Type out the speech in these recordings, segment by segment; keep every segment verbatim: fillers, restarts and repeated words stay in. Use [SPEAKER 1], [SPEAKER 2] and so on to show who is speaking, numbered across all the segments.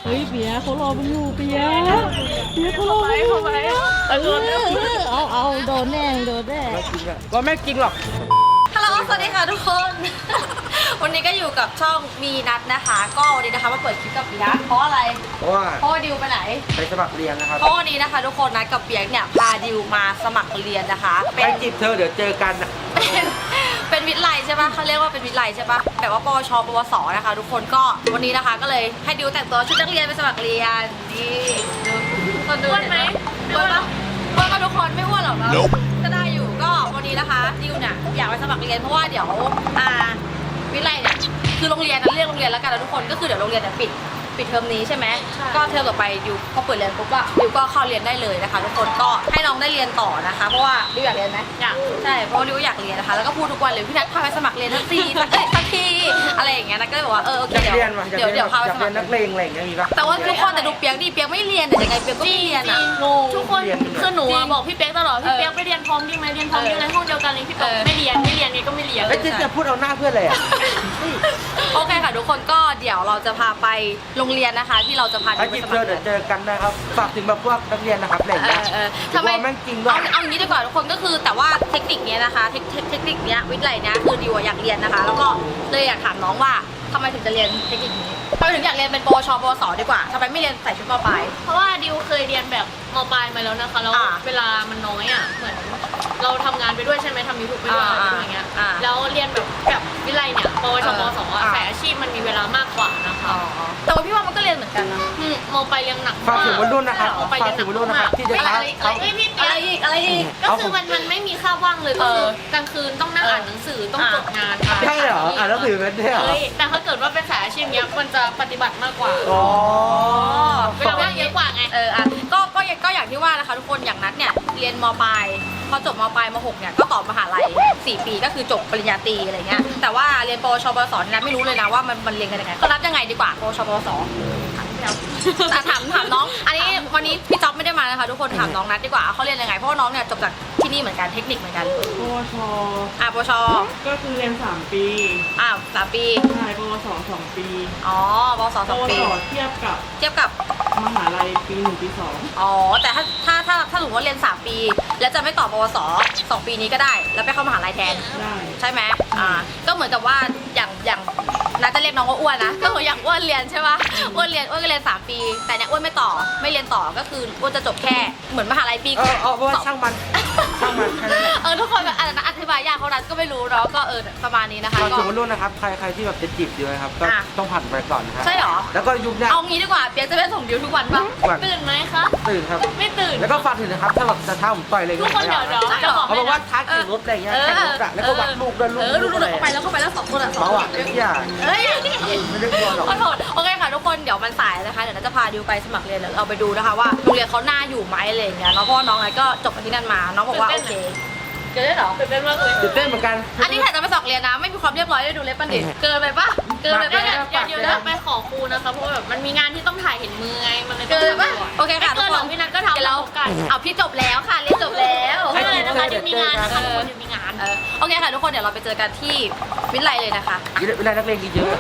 [SPEAKER 1] เฮ้ยเปียเขารอมึงอยู่เปียเปียเขารอมึงอยู่
[SPEAKER 2] เข้าไป
[SPEAKER 1] เออเอาเอาโดนแน่โดนแน่
[SPEAKER 3] ไม่จริงอะก็ไม่จริงหรอก
[SPEAKER 2] ฮัลโหลสวัสดีค่ะทุกคน วันนี้ก็อยู่กับช่องมีนัดนะคะ ก็วันนี้นะคะมาเปิดคลิปกับมีนัดเพราะอะไร
[SPEAKER 3] เพราะว่า
[SPEAKER 2] เพราะว่าดิวไปไหน
[SPEAKER 3] ไปสมัครเรียนนะครับ
[SPEAKER 2] เพราะวันนี้นะคะ ทุกคนนัดกับเปียกเนี่ยพาดิวมาสมัครเรียนนะคะ
[SPEAKER 3] ไป
[SPEAKER 2] เป็น
[SPEAKER 3] จีบเธอเดี๋ยวเจอกันอะ
[SPEAKER 2] เป็นเป็นวิทย์ไลใช่ปะเขาเรียกว่าเป็นวิทย์ไลใช่ปะแบบว่าปวชปวสนะคะ ทุกคนก็วันนี้นะคะก็เลยให้ดิวแต่งตัวชุดนักเรียนไปสมัครเรียนนี่ดูคนดูอ้วนไหมอ้วนปะอ้วนปะทุกคนไม่อ้วนหรอกเนาะก็ได้อยู่ก็วันนี้นะคะดิวเนี่ยอยากไปสมัครเรียนเพราะว่าเดี๋ยวอ่าวิทย์ไลเนี่ยคือโรงเรียนนะเรียกโรงเรียนแล้วกันนะทุกคนก็คือเดี๋ยวโรงเรียนเนี่ยปิดปิดเทอมนี้ใช่ไหมก็เทอมต่อไปดิวพอเปิดเรียนปุ๊บอะดิวก็เข้าเรียนได้เลยนะคะ ทุกคนก็ให้น้องได้เรียนต่อนะคะเพราะว่าดิวอยากเรียนไหมอยากใช่เพราะว่าดิวอยากเรียนนะคะแล้วก็พูดทุกวันเลยพี่นัทพาไปสมัครเรียนทักทีสักเอ้ยทักทีอะไรอย่างเงี้ยนะก็เลยบอกว่าเออโอเค
[SPEAKER 3] อยาก
[SPEAKER 2] เดี๋ยว
[SPEAKER 3] เรียนว่ะอยาก
[SPEAKER 2] เดี๋ยว
[SPEAKER 3] เรียน
[SPEAKER 2] เดี๋ยวพาไป
[SPEAKER 3] อยา
[SPEAKER 2] ส
[SPEAKER 3] ก
[SPEAKER 2] มั
[SPEAKER 3] เรี
[SPEAKER 2] ค
[SPEAKER 3] ย
[SPEAKER 2] ร
[SPEAKER 3] นนักเลงอะไรอย่างเงี้ยมีปะ
[SPEAKER 2] แต่ว่าทุกคนแต่ดูเปียกดิเปียกไม่เรียนแต่ยังไงเปียกก็ไม่เรียนอ่ะ
[SPEAKER 1] งง
[SPEAKER 4] ทุกคน
[SPEAKER 3] เรียน
[SPEAKER 4] คือหนู
[SPEAKER 2] จริ
[SPEAKER 4] อะ
[SPEAKER 2] ง
[SPEAKER 4] บอกพี่เป๊กตลอดพี่เป๊กไปเรียนพร้อมดีไหมเรียนพร้อมดีในห้องเดียวกันเลยพี่เป๊ก
[SPEAKER 2] เออ
[SPEAKER 4] ไม่เรียนไม่เรียนนี่ก็ไม่เรียน
[SPEAKER 3] เอ้ยจะจะพูดเอาหน้าเพื่อนเลยอะ
[SPEAKER 2] โอเคค่ะทุกคนก็เดี๋ยวเราจะพาไปโรงเรียนนะคะ ที่เราจะพา
[SPEAKER 3] ถ้า
[SPEAKER 2] ดิวไป
[SPEAKER 3] จีบ
[SPEAKER 2] ส
[SPEAKER 3] เธ
[SPEAKER 2] มั
[SPEAKER 3] อ
[SPEAKER 2] ครเรี
[SPEAKER 3] เดี๋
[SPEAKER 2] ย
[SPEAKER 3] ยวน เจอกันนะครับฝากถึงแบบพวกนักเรียนนะครับอะไรอย่าง
[SPEAKER 2] เอ
[SPEAKER 3] เงี้ย
[SPEAKER 2] อเออทำไม
[SPEAKER 3] ว่าแม่งจริงด้วย
[SPEAKER 2] เอาเอาอย่างนี้ดีกว่าทุกคนก็คือแต่ว่าเทคนิคเนี้ยนะคะเทคเทคเทคนิคเนี้ยวิทย์ไลเนี้ยคือดิวอะอยากเรียนนะคะ แล้วก็เลยอยากถามน้องว่าทำไมถึงจะเรียนเทคนิคนี้ทำไมถึงอยากเรียนเป็นปวชปวสดีกว่าทำไมไม่เรียนใส่ชุดมปลาย
[SPEAKER 4] เพราะว่าดิวเคยเรียนแบบมปลายมาแล้วนะคะแล้ว
[SPEAKER 2] อ่า
[SPEAKER 4] เวลามันน้อยอ่ะเหมือนเราทำงานไปด้วยใช่ไหมทำยูทูบไปด้วย
[SPEAKER 2] อ่า
[SPEAKER 4] อะไรอย่างเงี้ย
[SPEAKER 2] อ่า
[SPEAKER 4] แล้วเรียนแบบแบบวิไลเนี่ยปวช
[SPEAKER 2] เออ
[SPEAKER 4] ปวสอะ
[SPEAKER 2] อ่า
[SPEAKER 4] สายอาชีพมันมีเวลามากกว่านะคะ
[SPEAKER 2] อ๋อแต่ว่าพี่ว่ามันก็เรียนเหมือนกันนะ
[SPEAKER 4] อืมมปลายเรียนหนัก
[SPEAKER 3] ฝากถึงวัยรุ่นนะครับ
[SPEAKER 4] มปลาย
[SPEAKER 3] ฝา
[SPEAKER 4] เรี
[SPEAKER 3] ก
[SPEAKER 4] ยนห
[SPEAKER 3] ถึ
[SPEAKER 4] นั
[SPEAKER 3] ง
[SPEAKER 4] ก
[SPEAKER 3] วัยรุ่นนะค
[SPEAKER 4] มา
[SPEAKER 3] รั
[SPEAKER 4] ก
[SPEAKER 3] บที่จะ
[SPEAKER 4] อะไร
[SPEAKER 3] ท้า
[SPEAKER 4] อะไร
[SPEAKER 3] เขา
[SPEAKER 4] เอ้ยพี่
[SPEAKER 2] อะ
[SPEAKER 4] เป๊
[SPEAKER 2] ไร
[SPEAKER 4] ก
[SPEAKER 2] อีกอะไรอีก
[SPEAKER 4] ก็คือมันมันไม่มีค่าว่างเลยก็คือ
[SPEAKER 2] เออ
[SPEAKER 4] กลางคืนต้องนั่งอ่านหนังสือต้อง
[SPEAKER 2] อ่า
[SPEAKER 4] จดงานค่ะ
[SPEAKER 3] ใช่เหรออ่านหนังสือเป็นด้วยเหรอ
[SPEAKER 4] เฮ้ยแต่ถ้าเกิดว่าเป็นสายอาชีพเนี้ยมันจะปฏิบัติมากกว่า
[SPEAKER 3] อ๋อ
[SPEAKER 4] เวลาว่างเยอะกว่าไง
[SPEAKER 2] เอออ่ะก็ก็ยังก็อย่างที่ว่านะคะทุกคนอย่างนัดเนี่ยเรียนมปลายพอจบมปลายมหกเนี่ยก็ต่อมหาลัยสี่ปีก็คือจบปริญญาตรีอะไรเงี้ยแต่ว่าเรียนปวชปวสเนี่ยนัทไม่รู้เลยนะว่ามันมันเรียนกันยังไงก็นับยังไงดีกว่าปวชปวสถามถามถามน้อง อันนี้วันนี้พี่จ๊อบไม่ได้มานะคะทุกคนถามน้องนัดดีกว่าเขาเรียนยังไงเพราะว่าน้องเนี่ยจบจากที่นี่เหมือนกันเทคนิคเหมือนกัน
[SPEAKER 1] ปวช
[SPEAKER 2] อ่ะปวช
[SPEAKER 1] ก็คือเรียนสามปี
[SPEAKER 2] อ่ะสามปี
[SPEAKER 1] ใช่ปวสสองปี
[SPEAKER 2] อ๋อปวส
[SPEAKER 1] ป
[SPEAKER 2] สอง
[SPEAKER 1] ว
[SPEAKER 2] ปี
[SPEAKER 1] สเทียบกับ
[SPEAKER 2] เทียบกับ
[SPEAKER 1] มหาลัยปีหนึ่งปีสอง
[SPEAKER 2] อ๋อแต่ถ้าถ้าถ้าถ้าสมมติว่าเรียนสามปี แล้วจะไม่ต่อปวสสองปีนี้ก็ได้ แล้วไปเข้ามหาลัยแทน
[SPEAKER 1] ได้
[SPEAKER 2] ใช่ไหมอ่า ก็เหมือนกับว่าอย่างอย่างน่าจะเรียกน้องว่าอ้วนนะ ก็เหมือนอย่างอ้วนเรียนใช่ปะอ้วนเรียนอ้วนก็เรียนสามปี แต่เนี่ยอ้วนไม่ต่อ ไม่เรียนต่อ ก็คืออ้วนจะจบแค่เหมือนมหาลัยปี
[SPEAKER 3] เออเอาเพราะว่าช่างมันช่างมันแค่นั้นแหละ
[SPEAKER 2] เออทุกคนแบบอธิบายยากเขานั้นก็ไม่รู้เนาะ ก็เออประมาณนี้นะคะ
[SPEAKER 3] ฝาก
[SPEAKER 2] ก็
[SPEAKER 3] ถึงวัยรุ่นนะครับใครใครที่แบบจะจีบอยู่นะครับก็
[SPEAKER 2] อ่ะ
[SPEAKER 3] ต้องผ่านไปก่อนนะครับ
[SPEAKER 2] ใช่เหรอ
[SPEAKER 3] แล้วก็ยุคเนี้ย
[SPEAKER 2] เอางี้ดีกว่า เปียกจะไปส่งดิวทุกวันปะ
[SPEAKER 3] ก่อน
[SPEAKER 4] ตื่นไหมคะ
[SPEAKER 3] ตื่นครับ
[SPEAKER 4] ไม่ตื่น
[SPEAKER 3] แล้วก็ฝากถึงนะครับถ้าแบบจะท้าผมต่อยเลย
[SPEAKER 4] ทุกคนเดี๋ยวเดี๋ยว
[SPEAKER 2] ใช่เหร
[SPEAKER 4] จะ
[SPEAKER 2] อ
[SPEAKER 4] บอก
[SPEAKER 3] เขาบอกว่าท้าแข่งรถอะไรเงี้ยแข่งรถอะแล้วก็วัดลูกด้วยลูก
[SPEAKER 2] เออดู
[SPEAKER 3] ลูก
[SPEAKER 2] ดู
[SPEAKER 3] อะไร
[SPEAKER 2] เข้าไปแล้วเข้าไปแล้วสองคนอะสอง
[SPEAKER 3] เมา
[SPEAKER 2] คน
[SPEAKER 3] อ่ะทุกอย่าง
[SPEAKER 2] เอ้ย
[SPEAKER 3] ไม่ได้กลัวหรอก
[SPEAKER 2] ขอโทษโอเคค่ะทุกคนเดี๋ยวมันสายนะคะ เดี๋ยวเราจะพาดิวไปสมัครเรียนเดี๋ยวเราไปดูนะคะว่าโรงเรียนเขาน่าอยู่ไหมอะไรอย่างเงี้ยเนาะเพราะว่าน้องไงก็จบมาที่นั่นมา น้องบอกว่าโอเคเกินได้เหรอ
[SPEAKER 4] ตื่นเต้นมากเลย
[SPEAKER 3] ตื่นเต้นเหมือนกัน
[SPEAKER 2] อันนี้ถ่ายจะไปสมัครเรียนนะ ไม่มีความเรียบร้อยได้ดูเล็บปันดิเกินไปปะเกินไป
[SPEAKER 4] ก็
[SPEAKER 2] ปะ
[SPEAKER 4] อ
[SPEAKER 2] เนี่ย
[SPEAKER 4] ย่าอย่าเดี๋ยวนะไปขอครูนะคะเพราะว่าแบบมันมีงานที่ต้องถ่ายเห็นมือไงมันเลยต้
[SPEAKER 2] เกิ
[SPEAKER 4] อง
[SPEAKER 2] นไปปะโอเคค่ะ
[SPEAKER 4] ไม่
[SPEAKER 2] ทุ
[SPEAKER 4] เกิ
[SPEAKER 2] ก
[SPEAKER 4] น
[SPEAKER 2] ค
[SPEAKER 4] หรอน กพี่นัทก็ทำ
[SPEAKER 2] เดี๋ยวเรา
[SPEAKER 4] พบกัน
[SPEAKER 2] เอาพี่จบแล้วค่ะเรียนจบแล้ว
[SPEAKER 4] ไม่เป็นไรนะคะเดี๋ยวมีงานนะคะทุกคนเดี๋ยวมีงาน
[SPEAKER 2] เออโอเคค่ะทุกคนเดี๋ยวเราไปเจอกันที่วิทยาลัยเลยนะคะ
[SPEAKER 3] เวลานักเรียนเยอะ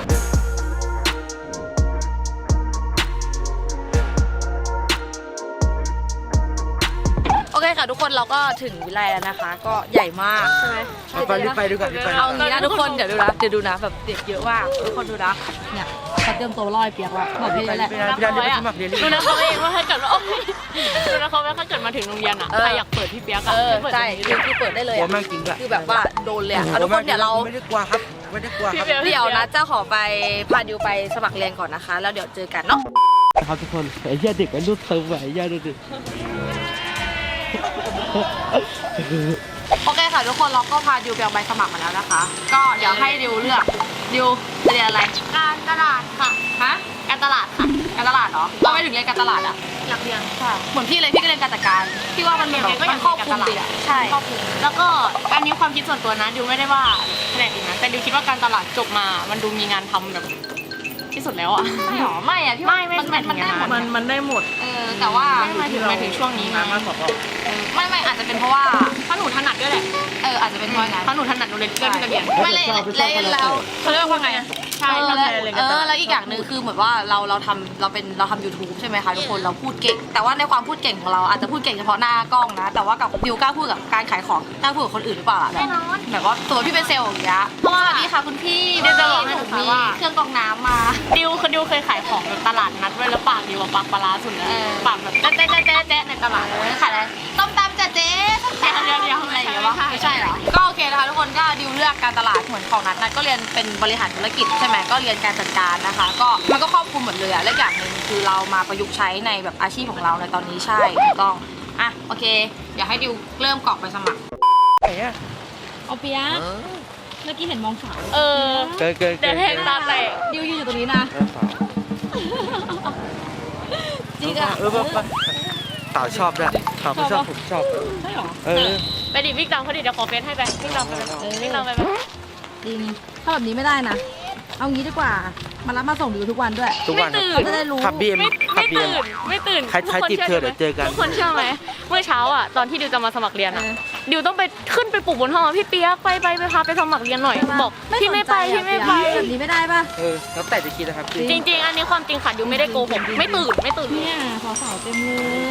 [SPEAKER 2] โอเคค่ะทุกคนเราก็ถึงวิทยาลัยแล้วนะคะ ก็ใหญ่มากใช่ไหม
[SPEAKER 3] เอาไปรีบไปดูก่อนรีบไป
[SPEAKER 2] เอางี้นะทุกคนเดี๋ยวดูนะเดี๋ยวดูนะแบบเด็กเยอะมากทุกคนดูนะเนี่ยเขาเตรียมตัวล่อไอ้เปียกแล้วบอกพี่
[SPEAKER 3] ไป
[SPEAKER 2] แหละ
[SPEAKER 3] ไปพี่ดานรีบไปสมัครเรียนรีบ
[SPEAKER 4] ดูนะเขาเองว่าถ้าเกิดว่าโอ๊ยดูนะเขาว่าถ้าเกิดมาถึงโรงเรียนอ่ะ
[SPEAKER 2] เออ
[SPEAKER 4] ใครอยากเปิดพี่เปียก
[SPEAKER 2] เอ
[SPEAKER 4] อะ
[SPEAKER 2] อ
[SPEAKER 4] เปิด
[SPEAKER 2] ใช่
[SPEAKER 4] ตรงนี้
[SPEAKER 2] คือคือเปิดได้เลย
[SPEAKER 3] หัว
[SPEAKER 2] อะ
[SPEAKER 3] แม่งจริงด้วย
[SPEAKER 2] คือแบบว่าโดนเลยอะเอาทุกคนเดี๋ยวเรา
[SPEAKER 3] ไม่ได้กลัวครับไม่ได้กลัวครับ
[SPEAKER 2] เดี๋ยวนะเจ้าขอไปพาดิวไปสมัครเรียนก่อนนะคะ แล้วเดี๋ยวเจอกันเนาะ
[SPEAKER 3] ครับทุกคนไอ้เหี้ยเด็กไอ้รุ่นเติมไอ้เหี้ยดูดิ
[SPEAKER 2] โอเคค่ะทุกคนเราก็พาดิวไปเอาใบสมัครมาแล้วนะคะ ก็เดี๋ยวให้ดิวเลือกดิวจะเรียนอะไร
[SPEAKER 4] การตลาดค่ะ
[SPEAKER 2] ฮะ
[SPEAKER 4] การตลาดค่ะ
[SPEAKER 2] การตลาดเหรอทำไมถึงเรียนการตลาดอะ
[SPEAKER 4] อยากเรียน
[SPEAKER 2] เหมือนพี่เลยพี่ก็เรียนการจัดการพี่ว่ามันแบบมันครอบคลุมดีอะใช่
[SPEAKER 4] ครอบคลุมแล้วก็อันนี้ความคิดส่วนตัวนะดิวไม่ได้ว่าแผนกอื่นนะแต่ดิวคิดว่าการตลาดจบมามันดูมีงานทำแบบที่สุดแล้วอ่ะ
[SPEAKER 2] ไม่หรอไม่อะพี่ว่า
[SPEAKER 4] ไม่ไม่
[SPEAKER 2] มันมันมันได้หมด
[SPEAKER 1] มันมันได้หมด
[SPEAKER 2] เออแต่ว่า
[SPEAKER 4] ไม่มาถึงมาถึงช่วงนี้
[SPEAKER 1] มา
[SPEAKER 4] นะ
[SPEAKER 1] มาสอบเอา
[SPEAKER 2] เออไม่ไม่อาจจะเป็นเพราะว่า
[SPEAKER 4] เพราะหนูถนัดด้วยแหละ
[SPEAKER 2] เอออาจจะเป็นเพราะงั้น
[SPEAKER 4] เพราะหนูถนัดหนูเลยเลือกที่จะเรียน
[SPEAKER 2] ไม่เลยเลยแล้วเขาเรียกว่าไงอะ
[SPEAKER 4] ใช่
[SPEAKER 2] เออ
[SPEAKER 4] ชอบ
[SPEAKER 2] แล้ว
[SPEAKER 4] แชร์เลย
[SPEAKER 2] เออแล้วอีกอย่างหนึ่งคือเหมือนว่าเราเราทำเราเป็นเราทำ YouTube ใช่ไหมคะทุกคนเราพูดเก่ง แต่ว่าในความพูดเก่งของเราอาจจะพูดเก่งเฉพาะหน้ากล้องนะ แต่ว่ากับดิวกล้าพูดกับการขายของกล้าพูดกับคนอื่นหรือเปล่าล่ะแบบแบบว่าตัวพี่เป็นเซลล์อย่างเงี้ยเพราะว่าพี่ค่ะคุณพี่
[SPEAKER 4] เดี๋ยวจะบอกให้
[SPEAKER 2] หนู
[SPEAKER 4] ค่ะ
[SPEAKER 2] มี
[SPEAKER 4] ว่า
[SPEAKER 2] เครื่องกรองน้ำมา
[SPEAKER 4] ดิวคือดิวเคยขายของแบบตลาดนัดไว้แล้วปากดิวอะปากปลาร้าสุดเลย
[SPEAKER 2] เออ
[SPEAKER 4] ปากแบบแจ๊ะแจ๊ะแจ๊ะแจ๊ะแจ๊ะในตลาด
[SPEAKER 2] เออขายอะไรต้มตำจ้ะเจ๊
[SPEAKER 4] เดี๋ยวเดี๋ยวเดี๋ยว
[SPEAKER 2] อะไรอย่างเงี้ยวะไม่ใช่เหรอก็โอเคนะคะทุกคนก็ดิวเลือกการตลาดเหมือนของนัทนัทก็เรียนเป็นบริหารธุรกิจใช่ไหมก็เรียนการจัดการนะคะ ก็มันก็ครอบคลุมหมดเลยอะและอย่างหนึ่งคือเรามาประยุกต์ใช้ในแบบอาชีพของเราในตอนนี้ใช่ถูกต้องอ่ะโอเคอยากให้ดิวเริ่มกรอกไปสมัคร
[SPEAKER 3] ไหนอ่ะ
[SPEAKER 1] เอาเปียกเมื่อกี้เห็นมองสาว
[SPEAKER 4] เออ
[SPEAKER 3] เกินเกิน
[SPEAKER 4] เดี๋
[SPEAKER 3] เกิ
[SPEAKER 4] ยวน แทงตาแตก
[SPEAKER 1] ดิวยืนอยู่ตรงนี้นะ จริงอ่ะ
[SPEAKER 3] เออแบบสาวชอบด้วยสาวไม่ชอบผมชอบ
[SPEAKER 1] ใช่หรอ
[SPEAKER 3] เออ
[SPEAKER 4] ไปดิวิ่งตามเขาดิเดี๋ยวขอเฟซให้ไปวิ่งตามไปไปวิ่งตามไปไป
[SPEAKER 1] จริงถ้าแบบนี้ไม่ได้นะ เอางี้ดีกว่า มารับมาส่งดิวทุกวันด้วย
[SPEAKER 3] ทุกวัน
[SPEAKER 1] เขาจะได้รู้
[SPEAKER 3] ขับบีเอ็ม
[SPEAKER 4] ไม่
[SPEAKER 3] ขับ
[SPEAKER 4] ไม่
[SPEAKER 3] บีเอ็ม
[SPEAKER 4] ตื่นไม่ตื่น
[SPEAKER 3] ใครใครจีบเธอเดี๋ยวเจอกัน
[SPEAKER 4] ทุกคนเชื่อไหมเมื่อเช้าอ่ะตอนที่ดิวจะมาสมัครเรียนอ่ะดิวต้องไปขึ้นไปปลุกบนห้องอะพี่เปียกไปไปไปพาไปสมัครเรียนหน่อยบอกพี่ไม่ไปพี่ไม่ไป
[SPEAKER 1] แบบนี้ไม่ได้ป่ะ
[SPEAKER 3] เออแล้วแต่จะคิดนะครับ
[SPEAKER 4] จริง ๆ อันนี้ความจริงค่ะดิวไม่ได้โกหกไม่ตื่นไม่ตื่น
[SPEAKER 1] เนี่ยสาวๆเต็มเลย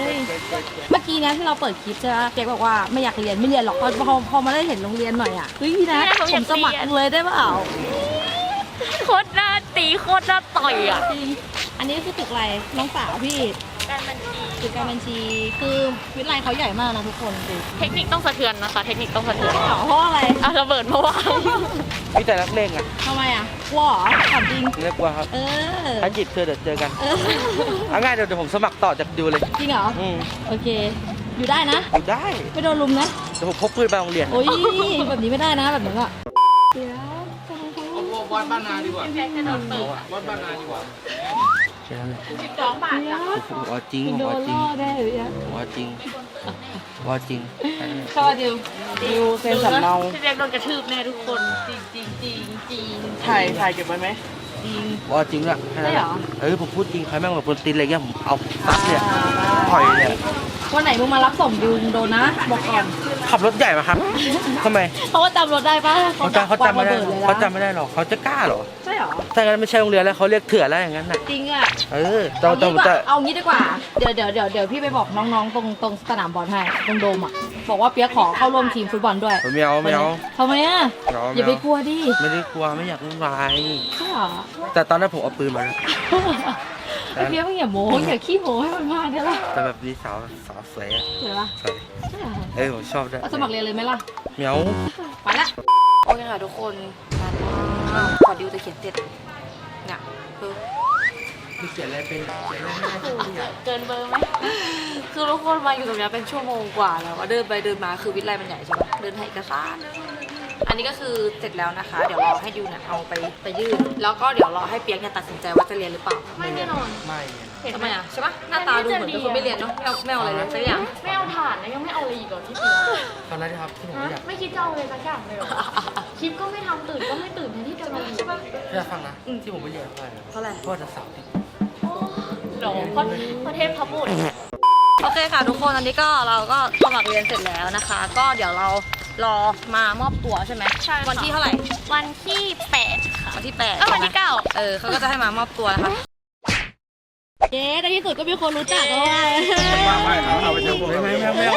[SPEAKER 1] เมื่อกี้นะที่เราเปิดคลิปใช่ไหมเจ๊บอกว่าไม่อยากเรียนไม่เรียนหรอกพอพอพอมาได้เห็นโรงเรียนหน่อยอ่ะเฮ้ยนะผมสมัครเลยได้เปล่า
[SPEAKER 4] โคตรหน้าตีโคตรหน้าต่อยอ่ะ
[SPEAKER 1] จริงอันนี้คือตึกอะไรน้องสาวพี่
[SPEAKER 4] การบัญชี
[SPEAKER 1] ตึกการบัญชีคือวิทยาลัยเขาใหญ่มากนะทุกคนดู
[SPEAKER 4] เทคนิคต้องสะเทือนนะคะ เทคนิคต้องสะเทือน
[SPEAKER 1] เหรอเพราะอะไร
[SPEAKER 4] อ่ะระเบิดมาวาง
[SPEAKER 3] พี่แต่รักเล่งอ่ะ
[SPEAKER 1] ทำไมอ่ะกลัวเหรอถามจริง
[SPEAKER 3] ไม่กลัวครับ
[SPEAKER 1] เออ
[SPEAKER 3] ถ้าจีบเธอเดี๋ยวเจอกัน
[SPEAKER 1] เออ
[SPEAKER 3] เอาง่ายเดี๋ยวเดี๋ยวผมสมัครต่อจากดิวเลย
[SPEAKER 1] จริงเหรอ
[SPEAKER 3] อืม
[SPEAKER 1] โอเค อยู่ได้นะ
[SPEAKER 3] อยู่ได้
[SPEAKER 1] ไม่โดนลุมนะ
[SPEAKER 3] เดี๋ยวผมพกปืนไปโรงเรียน
[SPEAKER 1] โอ้ยแบบนี้ไม่ได้นะแบบนี้อ่ะเดี๋ยว
[SPEAKER 3] วัดบ้านนาดีกว่าวัดบ้านนาดีกว่าแค่นั้นแหละ
[SPEAKER 4] สิบสองบาท
[SPEAKER 1] เดี๋ยว
[SPEAKER 3] ผมเอาจริงผม
[SPEAKER 1] โด
[SPEAKER 3] เอา
[SPEAKER 1] น
[SPEAKER 3] จริง
[SPEAKER 1] ล่อได้หรือยัง
[SPEAKER 3] ผมเอาจริงผมเอาจริง
[SPEAKER 1] สวัสดีดิวเซ็นสำเนา
[SPEAKER 4] พี่เล็กโดนกระทืบแน่ทุกคน
[SPEAKER 1] จริงจริงจริงจริง
[SPEAKER 3] ถ่ายถ่ายเก็บไว้ไหม
[SPEAKER 1] จริง
[SPEAKER 3] ผมเอาจริงละแค่นั้นแห
[SPEAKER 1] ใช่เหร
[SPEAKER 3] ละ
[SPEAKER 1] อ
[SPEAKER 3] เออผมพูดจริงใครแม่งแบบคนตีนอะไรเงี้ยผมเอาซัดเนี่ยถอยเลย
[SPEAKER 1] วันไหนมึงมารับส่งดิวโดนนะ บอกก่อน
[SPEAKER 3] ขับรถใหญ่มาครับทำไม
[SPEAKER 1] เพราะว่าจำรถได้ปะ
[SPEAKER 3] เขาจำเขาจำไม่ได้
[SPEAKER 1] วงระบิเลยนะ
[SPEAKER 3] เขาจำไม่ได้หรอกเขาจะกล้าเหรอ
[SPEAKER 1] ใช่เหรอ
[SPEAKER 3] ถ้างั้นไม่ใช่โรงเรียนแล้วเขาเรียกเถื่อนแล้วอย่างนั้นน่ะ
[SPEAKER 1] จริงอ่ะ
[SPEAKER 3] เออเรา
[SPEAKER 1] เอา
[SPEAKER 3] จะ
[SPEAKER 1] งี้ดีก
[SPEAKER 3] จะ
[SPEAKER 1] ว่าเอางี้ดีกว่า เดี๋ยวเดี๋ยวเดี๋ยวเดี๋ยวพี่ไปบอกน้องๆตรงตรงสนามบอลให้ตรงโดมอ่ะ บอกว่าเปียกขอเข้าร่วมทีมฟุตบอลด้วย
[SPEAKER 3] ไม่เอาไม่เอา
[SPEAKER 1] ทำไมอ่ะ
[SPEAKER 3] ไม่เอา
[SPEAKER 1] อย่าไปกลัวดิ
[SPEAKER 3] ไม่ได้กลัวไม่อยากวุ่นวาย
[SPEAKER 1] ใช่เหรอ
[SPEAKER 3] แต่ตอนนั้นผมเอาปืนมาแล้ว
[SPEAKER 1] ไอ้เปียกไม่อย่าโม้อย่าขี้โม้ให้มันมากได้ปะ
[SPEAKER 3] แต่แบบนี้สาวสาวสวยอะ
[SPEAKER 1] เดี๋ยวปะ
[SPEAKER 3] สวย
[SPEAKER 1] ใช่เหรอ
[SPEAKER 3] เออผมชอบด้วย
[SPEAKER 1] เอาสมัครเรียนเลยไหมล่ะ
[SPEAKER 3] เหมียว
[SPEAKER 1] ไปละ
[SPEAKER 2] โอเคค่ะทุกคนมาขอดิวจะเขียนเสร็จเนี่ยคือ
[SPEAKER 3] มีเขียนอะไรเป็นเขียนอะไรไม่ได้
[SPEAKER 4] เกินเบอร์ไหม
[SPEAKER 2] คือทุกคนมาอยู่ตรงเนี้ยเป็นชั่วโมงกว่าแล้วอะเดินไปเดินมาคือวิทยาลัยมันใหญ่ใช่ปะเดินถ่ายเอกสารอันนี้ก็คือเสร็จแล้วนะคะ เดี๋ยวรอให้ดิวเนี่ยเอาไปไปยื่นแล้วก็เดี๋ยวรอให้เปียกเนี่ยตัดสินใจว่าจะเรียนหรือเปล่า
[SPEAKER 4] ไม่แน่นอน
[SPEAKER 3] ไม่
[SPEAKER 4] เห็น
[SPEAKER 2] ทำ
[SPEAKER 4] ไห
[SPEAKER 2] ไม
[SPEAKER 4] ม
[SPEAKER 2] อ่ะใช่ปะหน้าตาดูเหมือนเป็นคนไม่เรียนเนาะไม่เอาไม่เอาอะไรเลยสักอย่าง
[SPEAKER 4] ไม่เอาถ่านนะยังไม่เอาอะไรอีกเหรอที่เปียก
[SPEAKER 3] ตอนนั้นนะครับที่ผม
[SPEAKER 4] ฮะ
[SPEAKER 3] อยาก
[SPEAKER 4] ไม่คิดจะเอาเลยสักอย่างเลยเหรอคลิปก็ไม่ทำตื่นก็ไม่ตื่นแทนที่จะมาใช่ปะ
[SPEAKER 3] อยากฟังนะที่ผมไม่เรียนเพราะอะไร
[SPEAKER 2] เท่าไหร่
[SPEAKER 3] เพราะจะสาวติด
[SPEAKER 4] หรอเพราะประเทศพระบุตร
[SPEAKER 2] โอเคค่ะทุกคนอันนี้ก็เราก็สมัครเรียนเสร็จแล้วนะคะ ก็เดี๋ยวเรารอมามอบตัวใช่ไหม
[SPEAKER 4] ใช่ค่ะ
[SPEAKER 2] วันที่เท่าไหร่
[SPEAKER 4] วันที่แปดค่ะ
[SPEAKER 2] วันที่แปด
[SPEAKER 4] เอ้ยวันที่เก้า
[SPEAKER 2] เออเขาก็จะให้มามอบตัวนะคะ
[SPEAKER 1] เจ๊ในที่สุดก็มีคนรู้จักแล้วว่ะ
[SPEAKER 3] ไม่เอาไปเจอผมไม่ไม่ไม่ไม่เอา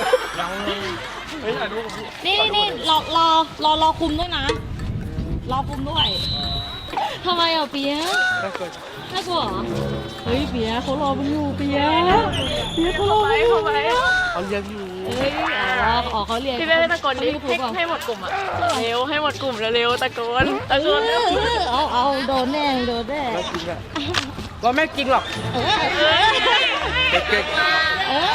[SPEAKER 3] ไม่
[SPEAKER 1] นี่นี่นี่รอรอรอรอคุมด้วยนะ รอคุมด้วยทำไมอ่ะเปียกน่ากลัวเหรอเฮ้ยเปียกเขารอมันอยู่เปียกเปียกเขารอมันอยู่
[SPEAKER 4] เข้าไป
[SPEAKER 3] เขาเรียกอยู่
[SPEAKER 1] เฮ้ยอ๋ออ๋อเขาเรียน
[SPEAKER 4] พี่เบ้ตะโกนดิ
[SPEAKER 1] เขา
[SPEAKER 4] ให้
[SPEAKER 1] เรียน
[SPEAKER 4] ให้หมดกลุ่มอะเร็วให้หมดกลุ่มเร็วๆตะโกนตะโก
[SPEAKER 1] เอน อเออเอาเอาโดนแน่โดนแน่
[SPEAKER 3] ไม่จริงอะว่าไม่จริงหรอก
[SPEAKER 1] เออ
[SPEAKER 4] เอ้ย
[SPEAKER 3] เก่ง
[SPEAKER 1] เออ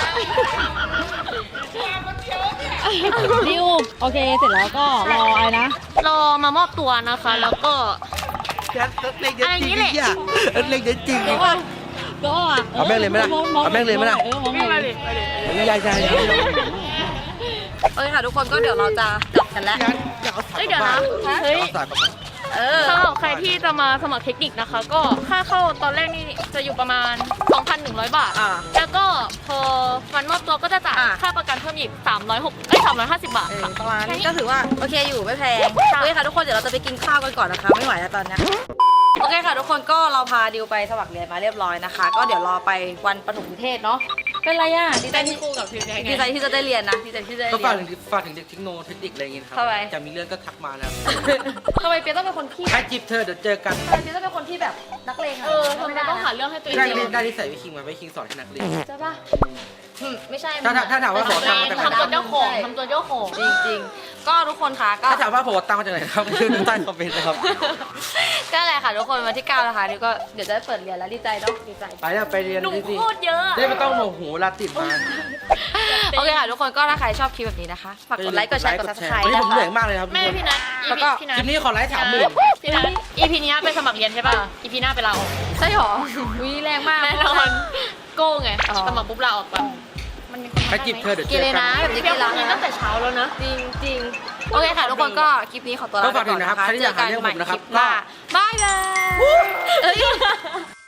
[SPEAKER 1] ดิวโอเคเสร็จแล้วก็รอไอ้นะ
[SPEAKER 4] รอมามอบตัวนะคะแล้วก็
[SPEAKER 3] แค่เล่นเยอะจริงเนี่ยเล่นเยอะจริง
[SPEAKER 1] ก็ก็
[SPEAKER 3] เอาแม่งเลยไหมล่ะเอาแม่งเลยไหมล่ะ
[SPEAKER 1] เออมอง
[SPEAKER 4] ไม่
[SPEAKER 1] ไหน
[SPEAKER 4] มาดิมาดิ
[SPEAKER 3] ไม่ใช่ใช่
[SPEAKER 2] โอเคค่ะทุกคนก็เดี๋ยวเราจะจับกันแล้ว
[SPEAKER 4] เอ้ยเดี๋ยวนะเฮ้ย
[SPEAKER 2] เออ
[SPEAKER 4] สำหรับใครที่จะมาสมัครเทคนิคนะคะ ก็ค่าเข้าตอนแรกนี่จะอยู่ประมาณ สองพันนหนึ่งร้อยบาท
[SPEAKER 2] อ่า
[SPEAKER 4] แล้วก็พอวันมอบตัวก็จะจ่าย
[SPEAKER 2] อ่า
[SPEAKER 4] ค่าประกันเพิ่มอีกสามร้อยหกเอ้ยสามร้อยห้าสิบบาท
[SPEAKER 2] เออ
[SPEAKER 4] ค่ะ
[SPEAKER 2] ประมาณ
[SPEAKER 4] แค่
[SPEAKER 2] นี้
[SPEAKER 4] นี้
[SPEAKER 2] ก็ถือว่าโอเคอยู่ไม่แพง
[SPEAKER 4] ค่ะ
[SPEAKER 2] โอเคค่ะทุกคนเดี๋ยวเราจะไปกินข้าวกันก่อนนะคะไม่ไหวแล้วตอนเนี้ยโอเคค่ะทุกคนก็เราพาดิวไปสมัครเรียนมาเรียบร้อยนะคะ ก็เดี๋ยวรอไปวันประถมนิเทศเนาะเป็นไรอ่ะดีใจ
[SPEAKER 4] แต่
[SPEAKER 2] ที่
[SPEAKER 4] ที่ครูกับทีมไง
[SPEAKER 2] ดีใจที่จะได้เรียนนะดีใจที่จะได้
[SPEAKER 3] ก็
[SPEAKER 2] เรี
[SPEAKER 3] ฝาก
[SPEAKER 2] ย
[SPEAKER 3] ถึ
[SPEAKER 2] น
[SPEAKER 3] งฝากถึงเด็กเทคโนเทคนิคอะไรอย่างงี้นะครั
[SPEAKER 2] ทำไม
[SPEAKER 3] จะมีเรื่องก็ทักมานะครับ
[SPEAKER 2] ทำไมเปียต้องเป็นคนขี้
[SPEAKER 3] ใครจีบเธอเดี๋ยวเจอกัน
[SPEAKER 2] ทำไมเปียต้องเป็นคนที่แบบนักเลงอะ
[SPEAKER 4] เออทำไมต้องหาเรื่องให้ตัวเอง
[SPEAKER 3] ได้เรียนได้ที่ใส่วิคิงมาวิคิงสอนให้นักเรียน
[SPEAKER 2] ใช่ปะอืมไม่ใช่
[SPEAKER 3] ถ้าถ้าถ้าถามว่าขอตังค์มาจากไหน
[SPEAKER 4] ทำตัวเจ้าของทำตัวเจ้าของ
[SPEAKER 2] จริงๆ ก็ทุกคนคะก็
[SPEAKER 3] ถ้าถามว่าผมเอาตังค์มาจากไหนครับชื่อใต้คอมเมนต์นะครับ
[SPEAKER 2] ก็อะไรค่ะทุกคนวันที่เก้านะคะนี่ก็เดี๋ยวจะได้เปิดเรียนแล้วดีใจเนาะดีใจ
[SPEAKER 3] ไปแล้วไปเรียน
[SPEAKER 4] หนู
[SPEAKER 3] ดิสิ
[SPEAKER 4] โคตรเยอะ
[SPEAKER 3] ได้ไม่ต้องโมโหเวลาติดมา
[SPEAKER 2] โอเคค่ะทุกคนก็ถ้าใครชอบคลิปแบบนี้นะคะฝากกดไลค์กดแชร์กด subscribe
[SPEAKER 3] วันนี้
[SPEAKER 2] นะ
[SPEAKER 3] ผมเหนื่อย
[SPEAKER 2] คะ
[SPEAKER 3] มากเลยครับ
[SPEAKER 4] แม่พี่นัท
[SPEAKER 2] แล้วก็
[SPEAKER 4] พี่นั
[SPEAKER 3] ค
[SPEAKER 4] ท
[SPEAKER 3] ลิปนี้ขอไลค์สามหมื่น
[SPEAKER 4] พี่นัท อี พี นี้ไปสมัครเรียนใช่ป่ะ อี พี หน้าไปลาออก
[SPEAKER 2] ใช่หรอวิแรงมาก
[SPEAKER 4] แน่นอนโก้ไง
[SPEAKER 2] อ๋อ
[SPEAKER 4] สมัครปุ๊บลาออกก่อนมันมีคน
[SPEAKER 3] ใครจีบเธอเดี๋ยว
[SPEAKER 2] กิ
[SPEAKER 3] เจ
[SPEAKER 2] น
[SPEAKER 3] อ
[SPEAKER 2] เลย
[SPEAKER 3] กั
[SPEAKER 2] นะ
[SPEAKER 3] น
[SPEAKER 2] แบบนี้
[SPEAKER 4] เพีย
[SPEAKER 2] กิ
[SPEAKER 4] ง
[SPEAKER 2] นแล้ว
[SPEAKER 4] นี้
[SPEAKER 2] นะ
[SPEAKER 4] ตั้งแต่เช้าแล้วนะ
[SPEAKER 2] จริงจริงๆโอเคค่ะทุกคนก็คลิปนี้ขอตัวลา
[SPEAKER 3] ก็
[SPEAKER 2] ไป
[SPEAKER 3] ฝากถึ
[SPEAKER 2] ก่อน
[SPEAKER 3] ง
[SPEAKER 2] นะ
[SPEAKER 3] นะครับ
[SPEAKER 2] คะ
[SPEAKER 3] ใครที่อยากหาเรื่องผมนะครับ
[SPEAKER 2] เจอกันใหม่คลิปหน้าบายบายเอ้ย